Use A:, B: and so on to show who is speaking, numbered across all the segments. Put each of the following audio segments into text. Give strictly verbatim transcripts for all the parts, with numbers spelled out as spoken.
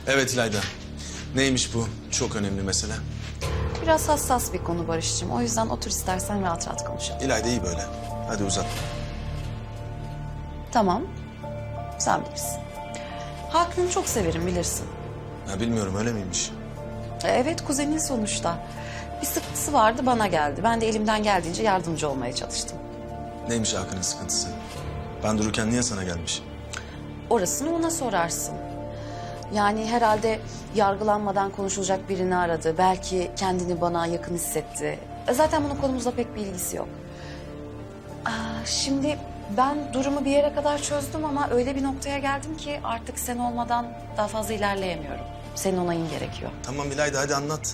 A: Evet İlayda. Neymiş bu? Çok önemli mesele.
B: Biraz hassas bir konu Barış'cığım. O yüzden otur istersen rahat rahat konuşalım.
A: İlayda iyi böyle. Hadi uzat.
B: Tamam. Sen bilirsin. Hakan'ı çok severim bilirsin.
A: Ha, bilmiyorum öyle miymiş?
B: E, Evet kuzenin sonuçta. Bir sıkıntısı vardı bana geldi. Ben de elimden geldiğince yardımcı olmaya çalıştım.
A: Neymiş Hakan'ın sıkıntısı? Ben dururken niye sana gelmiş?
B: Orasını ona sorarsın. Yani herhalde yargılanmadan konuşulacak birini aradı. Belki kendini bana yakın hissetti. E, Zaten bunun konumuzla pek bir ilgisi yok. Aa, şimdi ben durumu bir yere kadar çözdüm ama öyle bir noktaya geldim ki artık sen olmadan daha fazla ilerleyemiyorum. Senin onayın gerekiyor.
A: Tamam İlayda hadi anlat.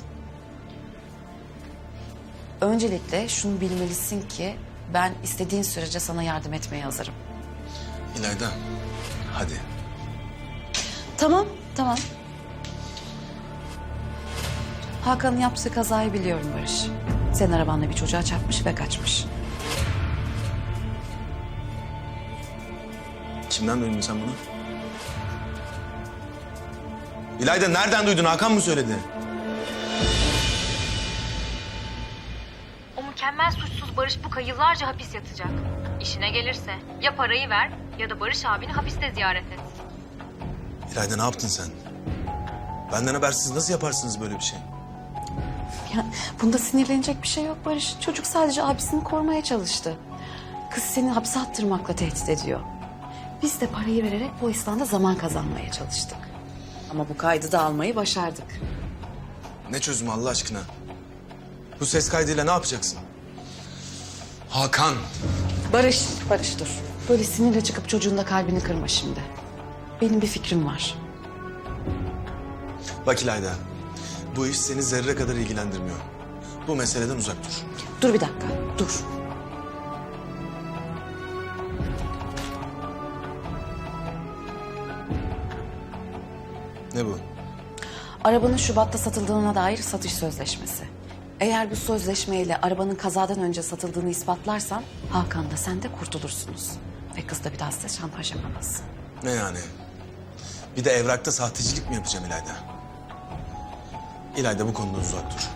B: Öncelikle şunu bilmelisin ki ben istediğin sürece sana yardım etmeye hazırım.
A: İlayda hadi.
B: Tamam, tamam. Hakan'ın yaptığı kazayı biliyorum Barış. Senin arabanla bir çocuğa çarpmış ve kaçmış.
A: Kimden duydun sen bunu? İlayda nereden duydun? Hakan mı söyledi?
C: O mükemmel suçsuz Barış Buka yıllarca hapis yatacak. İşine gelirse ya parayı ver ya da Barış abini hapiste ziyaret et.
A: İlayda ne yaptın sen? Benden habersiz nasıl yaparsınız böyle bir şey?
B: Ya, bunda sinirlenecek bir şey yok Barış. Çocuk sadece abisini korumaya çalıştı. Kız seni hapse attırmakla tehdit ediyor. Biz de parayı vererek bu İslam'da zaman kazanmaya çalıştık. Ama bu kaydı da almayı başardık.
A: Ne çözümü Allah aşkına? Bu ses kaydıyla ne yapacaksın? Hakan.
B: Barış, Barış dur. Böyle sinirle çıkıp çocuğun da kalbini kırma şimdi. Benim bir fikrim var.
A: Bak İlayda. Bu iş seni zerre kadar ilgilendirmiyor. Bu meseleden uzak dur.
B: Dur bir dakika, dur.
A: Ne bu?
B: Arabanın Şubat'ta satıldığına dair satış sözleşmesi. Eğer bu sözleşmeyle arabanın kazadan önce satıldığını ispatlarsan Hakan da sen de kurtulursunuz. Ve kız da bir daha size şantaj yapamaz.
A: Ne yani? Bir de evrakta sahtecilik mi yapacağım İlayda? İlayda bu konudan uzak dur.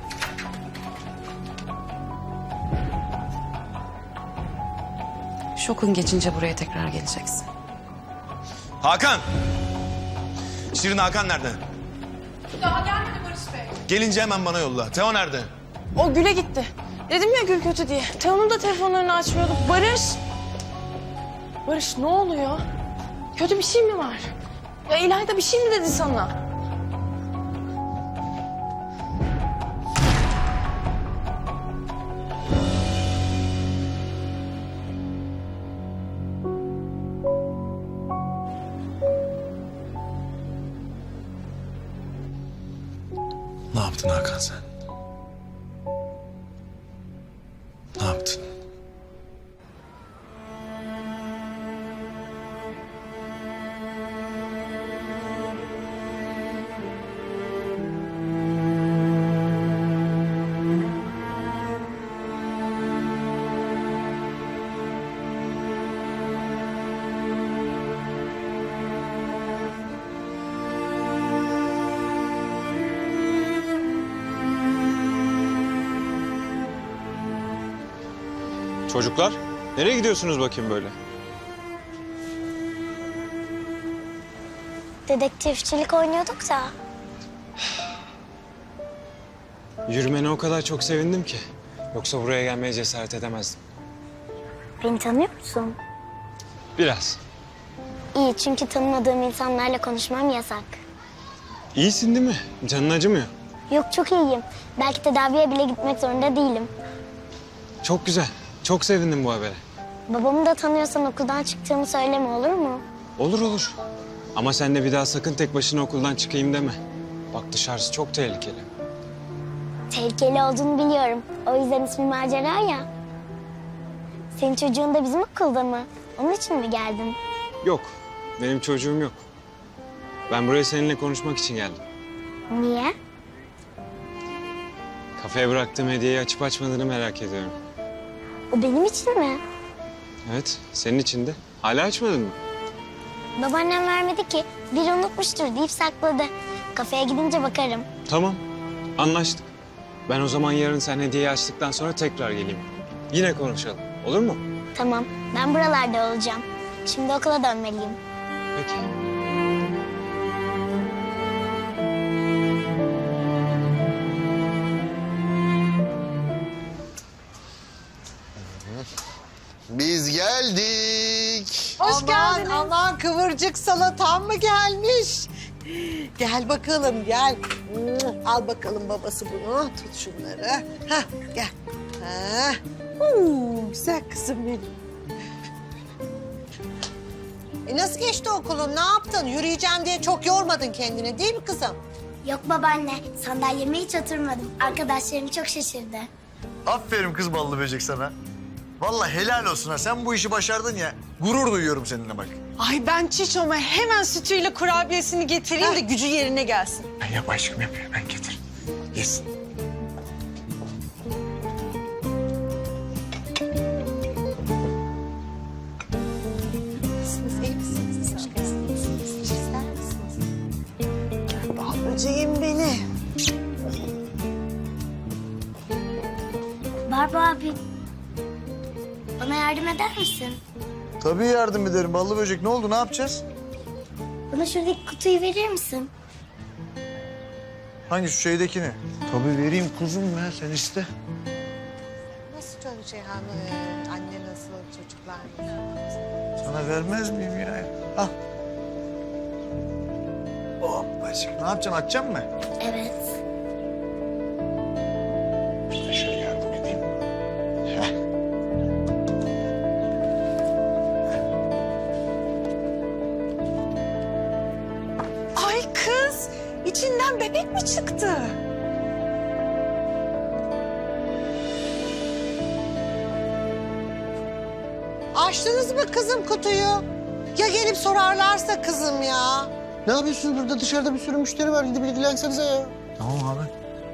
B: Şokun geçince buraya tekrar geleceksin.
A: Hakan! Şirin Hakan nerede?
D: Daha gelmedi Barış Bey.
A: Gelince hemen bana yolla. Teo nerede?
D: O Gül'e gitti. Dedim ya Gül kötü diye. Teo'nun da telefonlarını açmıyordu. Barış! Barış ne oluyor? Kötü bir şey mi var? Ya İlayda bir şey mi dedi sana?
A: Ne yaptın Hakan sen? Ne yaptın?
E: Çocuklar, nereye gidiyorsunuz bakayım böyle?
F: Dedektifçilik oynuyorduk da.
E: Yürümene o kadar çok sevindim ki. Yoksa buraya gelmeye cesaret edemezdim.
F: Beni tanıyor musun?
E: Biraz.
F: İyi, çünkü tanımadığım insanlarla konuşmam yasak.
E: İyisin değil mi? Canın acımıyor.
F: Yok, çok iyiyim. Belki tedaviye bile gitmek zorunda değilim.
E: Çok güzel. Çok sevindim bu habere.
F: Babamı da tanıyorsan okuldan çıktığımı söyleme, olur mu?
E: Olur olur. Ama sen de bir daha sakın tek başına okuldan çıkayım deme. Bak dışarısı çok tehlikeli.
F: Tehlikeli olduğunu biliyorum. O yüzden ismi Macera ya. Senin çocuğun da bizim okulda mı? Onun için mi geldin?
E: Yok, benim çocuğum yok. Ben buraya seninle konuşmak için geldim.
F: Niye?
E: Kafeye bıraktığım hediyeyi açıp açmadığını merak ediyorum.
F: O benim için mi?
E: Evet, senin için de. Hala açmadın mı?
F: Babaannem vermedi ki. Biri unutmuştur deyip sakladı. Kafeye gidince bakarım.
E: Tamam, anlaştık. Ben o zaman yarın sen hediyeyi açtıktan sonra tekrar geleyim. Yine konuşalım, olur mu?
F: Tamam, ben buralarda olacağım. Şimdi okula dönmeliyim.
E: Peki.
G: Biz geldik.
H: Hoş aman, Aman kıvırcık salatan mı gelmiş? Gel bakalım gel. Al bakalım babası bunu. Tut şunları. Hah gel. Ha. Huu, güzel kızım benim. E nasıl geçti okulun? Ne yaptın? Yürüyeceğim diye çok yormadın kendini değil mi kızım?
F: Yok babaanne, sandalyeme hiç oturmadım. Arkadaşlarım çok şaşırdı.
G: Aferin kız ballı böcek sana. Vallahi helal olsun ha. Sen bu işi başardın ya. Gurur duyuyorum seninle bak.
H: Ay ben Çiçom'a hemen sütüyle kurabiyesini getireyim de gücü yerine gelsin.
G: Ben yap aşkım yap. Ben getir. Yesin.
H: Nasılsınız? İyi misiniz? Hoş geldiniz. İster misiniz? Bal böceğim beni.
F: Barba abi, bana yardım eder misin?
G: Tabii yardım ederim ballı böcek. Ne oldu? Ne yapacağız?
F: Bana şuradaki kutuyu verir misin?
G: Hangi şu şeydekini? Tabii vereyim kuzum ya. Sen iste.
H: Nasıl Ceyhan? Ee, anne nasıl? Çocuklar nasıl?
G: Sana vermez miyim ya? Al. Hoppacık. Ne yapacaksın? Açacaksın mı?
F: Evet.
G: İşte şöyle yardım edeyim. Heh.
H: Ay kız, içinden bebek mi çıktı? Açtınız mı kızım kutuyu? Ya gelip sorarlarsa kızım ya.
I: Ne yapıyorsunuz burada? Dışarıda bir sürü müşteri var. Gidip ilgilensenize ya.
G: Tamam abi.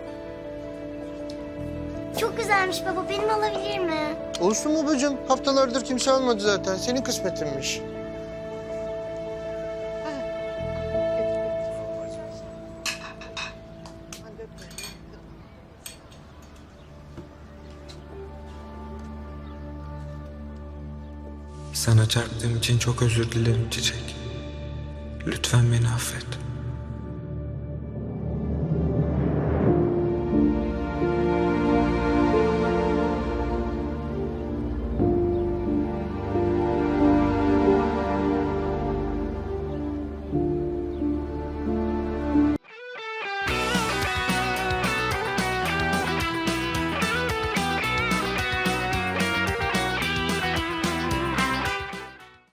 F: Çok güzelmiş baba, benim alabilir mi?
I: Olsun babacığım. Haftalardır kimse almadı zaten. Senin kısmetinmiş.
J: Sana çarptığım için çok özür dilerim Çiçek. Lütfen beni affet.